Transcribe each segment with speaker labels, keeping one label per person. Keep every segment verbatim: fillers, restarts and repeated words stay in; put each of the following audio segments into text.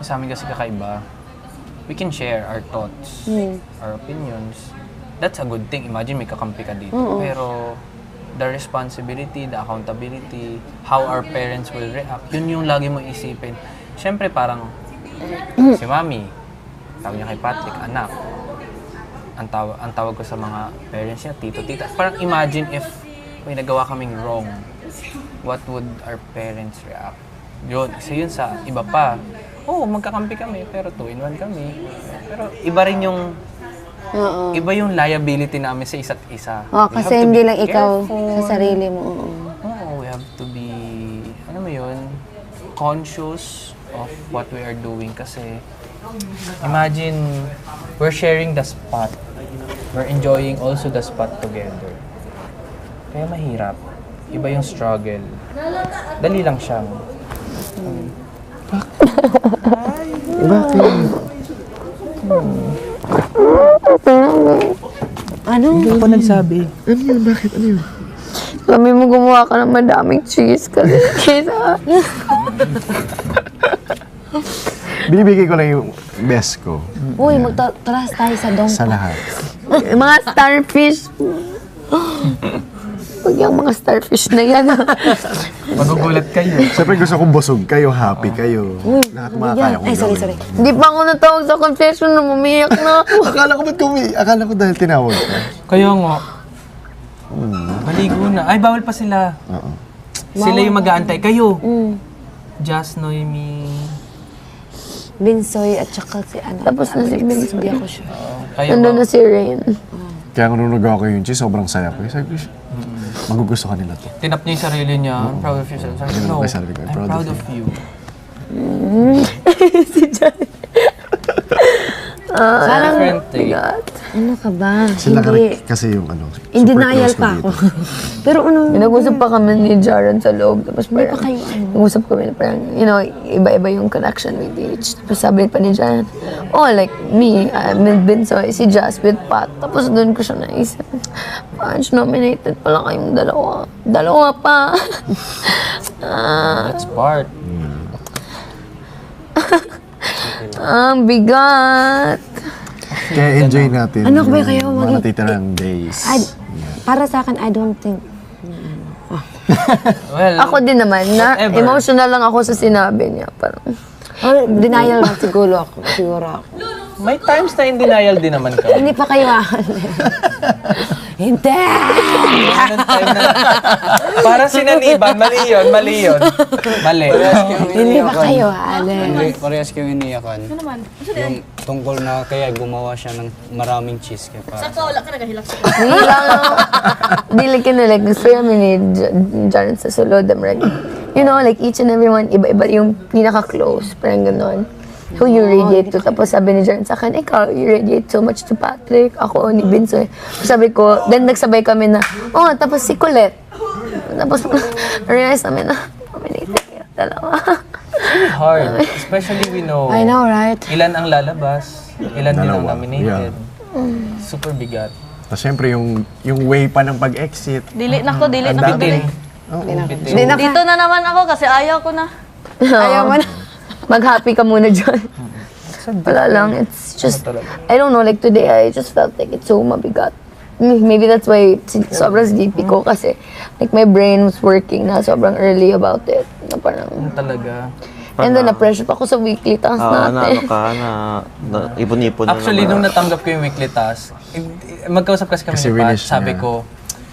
Speaker 1: sa amin kasi kakaiba. We can share our thoughts, mm. our opinions. That's a good thing. Imagine may kakampi ka dito. Mm-hmm. Pero the responsibility, the accountability, how our parents will react, yun yung lagi mo isipin. Siyempre parang si Mami, tawag niya kay Patrick, anak. Ang, taw- ang tawag ko sa mga parents niya, tito, tita. Parang imagine if may nagawa kaming wrong, what would our parents react? Yun, kasi yun sa iba pa. Oo, oh, magkakampi kami, pero two in one kami. Pero iba rin yung, uh-uh. iba yung liability namin sa isa't isa.
Speaker 2: Oh, kasi hindi lang ikaw sa sarili mo. Oo,
Speaker 1: oh, we have to be, ano mo yun, conscious of what we are doing kasi imagine, we're sharing the spot. We're enjoying also the spot together. Kaya mahirap. Iba yung struggle. Dali lang siya. Hmm.
Speaker 3: Bakit?
Speaker 2: Hmm. Ano?
Speaker 1: Hindi ako nagsabi.
Speaker 3: Ano yun? Bakit? Ano yun?
Speaker 2: Kami mo gumawa ka ng madaming cheese kasi kaysa...
Speaker 3: Binibigay ko lang yung best ko.
Speaker 2: Uy, magta-trust tayo sa dong.
Speaker 3: Sa lahat.
Speaker 2: Mga starfish. Pag yung mga starfish na yan.
Speaker 1: Magugulat kayo.
Speaker 3: Siyempre gusto kong busog kayo, happy kayo. Lahat makakaya kong
Speaker 2: Ay, sorry,
Speaker 3: gawin.
Speaker 2: sorry. Hindi pa ako natawag sa confession na mumiyak na ako.
Speaker 3: Akala ko ba't kumi? Akala ko dahil tinawag ka.
Speaker 1: Kaya nga. Maligo na. Ay, bawal pa sila.
Speaker 3: Oo.
Speaker 1: Sila yung mag-aantay. Kayo.
Speaker 2: Mm.
Speaker 1: Just Noemi.
Speaker 2: Binsoy at saka si ano. Tapos na si Binsoy. Hindi ako sure.
Speaker 1: Kayo
Speaker 2: Nandun
Speaker 1: ba?
Speaker 2: na si Rain.
Speaker 3: Kaya kung nung nagawa ko yung cheese, sobrang saya ko. Sabi ko, magugusto ka nila to.
Speaker 1: Tinap niya yung sarili niya. I'm proud of yourself. Sabi ko, no,
Speaker 3: Ay, sabi ko,
Speaker 1: I'm proud of you.
Speaker 2: Si Jan.
Speaker 1: It's a different thing.
Speaker 2: Ano ka ba?
Speaker 3: Sila
Speaker 2: Hindi.
Speaker 3: ka kasi yung ano,
Speaker 2: In
Speaker 3: super
Speaker 2: denial
Speaker 3: close ko
Speaker 2: pa
Speaker 3: dito.
Speaker 2: ako. Pero ano, nag-usap pa kami ni Jaron sa loob. Tapos parang,
Speaker 4: pa kayo, ano?
Speaker 2: nag-usap kami na parang, you know, iba-iba yung connection with each. Tapos sabi pa ni Jaron, oh, like me, I'm with Binsoy, si Jazz with Pat. Tapos doon ko siya naisip, Punch, nominated pala kayong dalawa. Dalawa pa. Ah,
Speaker 1: That's part.
Speaker 2: ang bigat.
Speaker 3: Kaya enjoy natin
Speaker 4: Ano ba
Speaker 3: yung
Speaker 4: kayo
Speaker 3: mga
Speaker 4: maging-
Speaker 3: natitirang days.
Speaker 4: I, para sa akin, I don't think.
Speaker 1: Well,
Speaker 2: Ako din naman, na
Speaker 1: Whatever.
Speaker 2: emotional lang ako sa sinabi niya. Parang,
Speaker 4: Or denial lang siguro ako. Siguro ako.
Speaker 1: may times na in denial din naman ka.
Speaker 4: Hindi pa kayo aalis. Hindi!
Speaker 1: Meron time na, para sinaniban, mali yun, mali yun. Mali.
Speaker 4: Hindi pa kayo aalis.
Speaker 5: Hindi, parehas kayong iniyakan. Ano naman? Yung tungkol na kaya gumawa siya ng maraming cheese. Kaya para sa
Speaker 2: Hindi lang ako. Dili kinilig. Gusto namin ni J- Jaron sa sulod. I'm like, you know, like each and every one, iba-iba yung pinaka-close. Parang gano'n. Who you radiate to. Tapos sabi ni Jaron sa akin, ikaw, you radiate so much to Patrick. Ako, ni Binsoy. Sabi ko, then nagsabay kami na, oh, tapos si Colette. Tapos, realize namin na, nominated kayo. Dalawa.
Speaker 1: Really hard. Especially we know,
Speaker 4: I know, right?
Speaker 1: ilan ang lalabas, ilan din ang
Speaker 3: Dalawa.
Speaker 1: nominated. Super bigat.
Speaker 3: Tapos syempre yung, yung way pa ng pag-exit.
Speaker 6: Dili na ko, dili
Speaker 3: Ang
Speaker 6: na ko.
Speaker 3: dami.
Speaker 1: Bitin.
Speaker 3: Oo.
Speaker 1: Bitin.
Speaker 4: Hindi na
Speaker 6: Dito na naman ako kasi ayaw ko na.
Speaker 4: Ayaw mo na.
Speaker 2: Mag-happy ka muna dyan. Wala lang. It's just, I don't know, like today, I just felt like it's so mabigat. Maybe that's why si- sobrang sleepy ko kasi like my brain was working na sobrang early about it. Na parang,
Speaker 1: Ano talaga.
Speaker 2: and then na-pressure pa ako sa weekly task
Speaker 7: Ah, na
Speaker 2: natin.
Speaker 7: ano ka, na, na ipon-ipon na
Speaker 1: Actually,
Speaker 7: naman.
Speaker 1: nung natanggap ko yung weekly task, eh, magkausap kasi kami
Speaker 3: Kasi
Speaker 1: ni Pat,
Speaker 3: winish
Speaker 1: sabi
Speaker 3: niya.
Speaker 1: ko,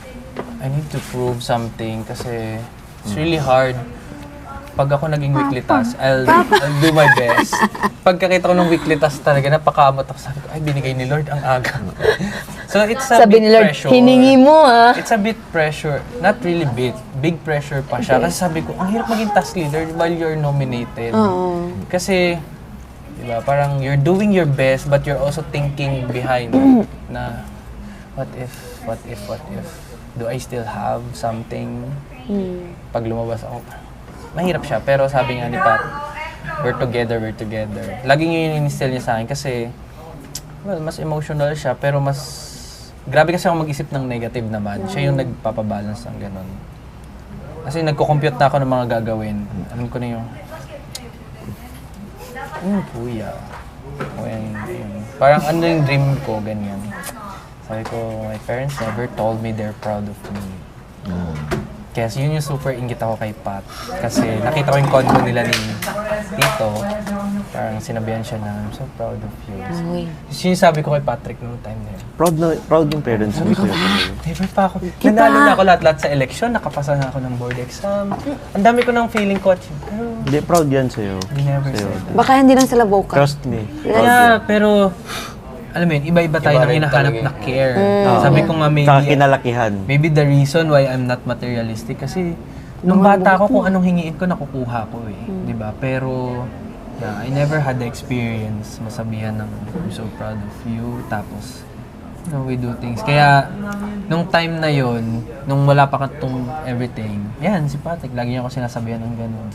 Speaker 1: I need to prove something kasi it's really hard. Pag ako naging weekly task, I'll, I'll do my best. Pagkakita ko ng weekly task talaga, napakamot ako. Sabi ko, ay, binigay ni Lord ang aga. So it's a
Speaker 2: Sabi
Speaker 1: bit
Speaker 2: ni Lord,
Speaker 1: pressure.
Speaker 2: hiningi mo ah.
Speaker 1: It's a bit pressure. Not really bit. Big pressure pa siya. Kasi sabi ko, ang hirap maging task leader while you're nominated. Kasi, di ba, parang you're doing your best but you're also thinking behind na, what if, what if, what if, do I still have something? Pag lumabas ako, mahirap siya. Pero sabi nga ni Pat, we're together, we're together. Laging yun yung in-instill niya sa akin kasi, well, mas emotional siya, pero mas, grabe kasi ako mag-isip ng negative naman. Siya yung nagpapabalance ng ganun. Kasi nagko-compute na ako ng mga gagawin. Alam ko na yung, Yung kuya. O yan, yun. Parang ano yung dream ko, ganyan. Sabi ko, my parents never told me they're proud of me. Kaya yun yung super ingit ako kay Pat. Kasi nakita ko yung condo nila ni Tito. Parang sinabihan siya na, I'm so proud of you. So, yun yung sabi ko kay Patrick noong time na yun.
Speaker 7: Proud na, proud yung parents mo. Kuya Pinoy.
Speaker 1: Never pa ako. Nanalo na ako lahat-lahat sa election. Nakapasa na ako ng board exam. Ang dami ko ng feeling ko. Pero,
Speaker 7: Hindi, proud yan sa'yo.
Speaker 1: they never
Speaker 7: Sa'yo.
Speaker 1: said that.
Speaker 4: Baka hindi lang sila vocal.
Speaker 7: Trust me. Proud
Speaker 1: Yeah, pero, alam mo yun, iba-iba tayo
Speaker 5: Iba
Speaker 1: ng
Speaker 5: rin
Speaker 1: hinahanap
Speaker 5: talaga
Speaker 1: na care. Sabi ko nga,
Speaker 7: Tsaka
Speaker 1: maybe,
Speaker 7: kinalakihan.
Speaker 1: maybe the reason why I'm not materialistic kasi nung bata ako, kung anong hingiin ko, nakukuha ko eh. Di ba? Pero, yeah, I never had the experience masabihan ng I'm so proud of you. Tapos, you know, we do things. Kaya, nung time na yon, nung wala pa katong everything, yan, si Patrick, lagi niya ako sinasabihan ng gano'n.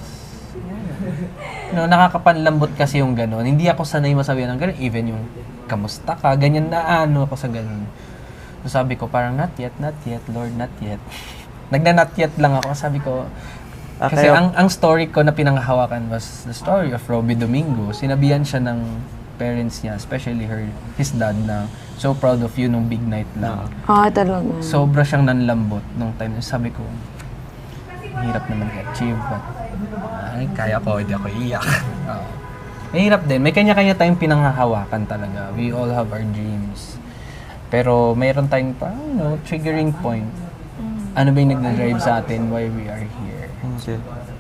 Speaker 1: No, nakakapanlambot kasi yung gano'n. Hindi ako sanay masabihan ng gano'n. Even yung kamusta ka, ganyan na ano ako sa gano'n. So sabi ko parang not yet, not yet, Lord, not yet. Nagna-not yet lang ako. Sabi ko,
Speaker 7: Ah,
Speaker 1: kasi
Speaker 7: kaya-
Speaker 1: ang ang story ko na pinanghahawakan was the story of Robbie Domingo. Sinabihan siya ng parents niya, especially her, his dad, na so proud of you nung big night lang.
Speaker 4: Ah, talaga.
Speaker 1: Sobra siyang nanlambot nung time na sabi ko, hirap naman i-achieve, but ay, kaya ko, hindi ako iiyak. Oo. Mahirap din. May kanya-kanya tayong pinanghahawakan talaga. We all have our dreams. Pero mayroon tayong pa, you know, triggering point. Ano ba yung nagdadrive sa atin why we are here?
Speaker 7: Okay.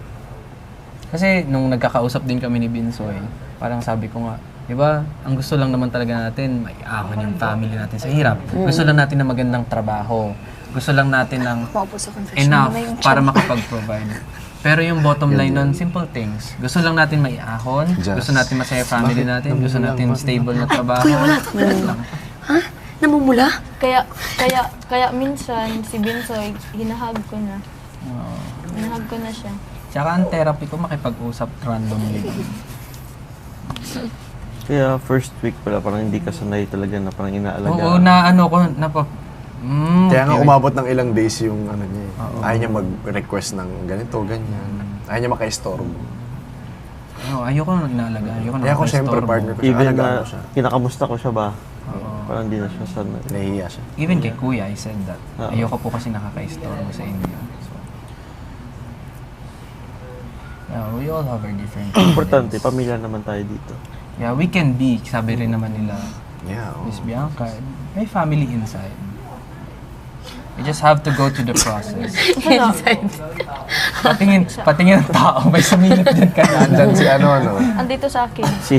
Speaker 1: Kasi nung nagkakausap din kami ni Binsoy, parang sabi ko nga, di ba, ang gusto lang naman talaga natin, may ahon yung family natin sa hirap. Gusto lang natin ng magandang trabaho. Gusto lang natin ng enough para makapag-provide. Pero yung bottom line nun, simple things. Gusto lang natin may ahon,
Speaker 3: Just-
Speaker 1: gusto natin masaya family natin, gusto natin stable na trabaho. Lang.
Speaker 2: Namumula?
Speaker 6: Kaya, kaya, kaya minsan, si Binsoy, hinahag ko na.
Speaker 1: Oo.
Speaker 6: Hinahag ko na siya.
Speaker 1: Tsaka ang therapy ko makipag-usap randomly.
Speaker 7: Kaya first week pala, parang hindi ka sanay talaga na parang inaalagaan.
Speaker 1: Oo, na ano ko, napa... Mm,
Speaker 3: Kaya nga
Speaker 1: okay.
Speaker 3: umabot ng ilang days yung ano niya. eh. Ayaw niya mag-request ng ganito, ganyan. Ayaw niya makaistorbo.
Speaker 1: Ano, ayoko nang inaalaga. Ayoko nang
Speaker 3: Kaya ako siyempre
Speaker 1: makaistorbo.
Speaker 3: partner ko siya.
Speaker 7: Even
Speaker 3: Alagaan
Speaker 7: na
Speaker 3: ko siya.
Speaker 7: kinakamusta ko siya ba?
Speaker 1: Oo.
Speaker 7: Parang hindi na siya sanay.
Speaker 3: Nahihiya siya.
Speaker 1: Even kay Kuya, I said that.
Speaker 7: Oo.
Speaker 1: Ayoko po kasi nakaka-istorbo sa inyo. So, yeah, we all have our different
Speaker 7: Importante,
Speaker 1: problems.
Speaker 7: pamilya naman tayo dito.
Speaker 1: Yeah, we can be. Sabi rin naman nila,
Speaker 3: Yeah, oh.
Speaker 1: Miss Bianca, may family inside. We just have to go to the process. patingin, patingin ng tao. May sumilip din ka na.
Speaker 3: Andyan si ano, ano.
Speaker 6: Andito sa akin.
Speaker 7: Si,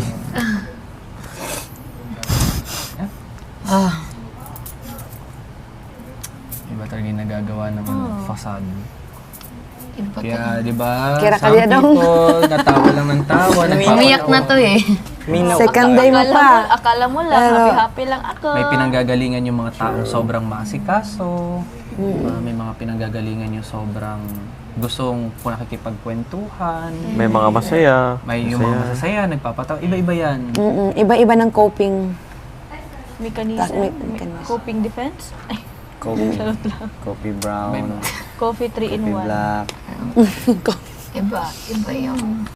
Speaker 1: Iba talaga yung nagagawa ng
Speaker 6: Oh.
Speaker 1: facade.
Speaker 2: Iba ka.
Speaker 1: Kaya, di ba,
Speaker 4: Kira
Speaker 1: some
Speaker 4: kaya daw.
Speaker 1: people, natawa lang ng tawa.
Speaker 2: Umiyak na to eh.
Speaker 4: Second day mo
Speaker 6: Akala mo,
Speaker 4: pa.
Speaker 6: akala mo lang,
Speaker 4: Pero-
Speaker 6: happy-happy lang ako.
Speaker 1: May pinanggagalingan yung mga taong sobrang maasikaso. Uh, may mga pinanggagalingan yung sobrang gustong nakikipagkwentuhan.
Speaker 7: may mga masaya.
Speaker 1: May yung mga masasaya, nagpapatawa. Iba-iba yan.
Speaker 4: Mm-mm. Iba-iba ng coping.
Speaker 6: Mechanism.
Speaker 4: Technique, mechanism.
Speaker 6: Coping defense. Ay,
Speaker 5: Coffee,
Speaker 6: charot lang.
Speaker 5: coffee
Speaker 1: May
Speaker 5: brown,
Speaker 1: mga-
Speaker 6: Coffee three in
Speaker 5: coffee
Speaker 6: one.
Speaker 5: black.
Speaker 2: Iba. Iba yung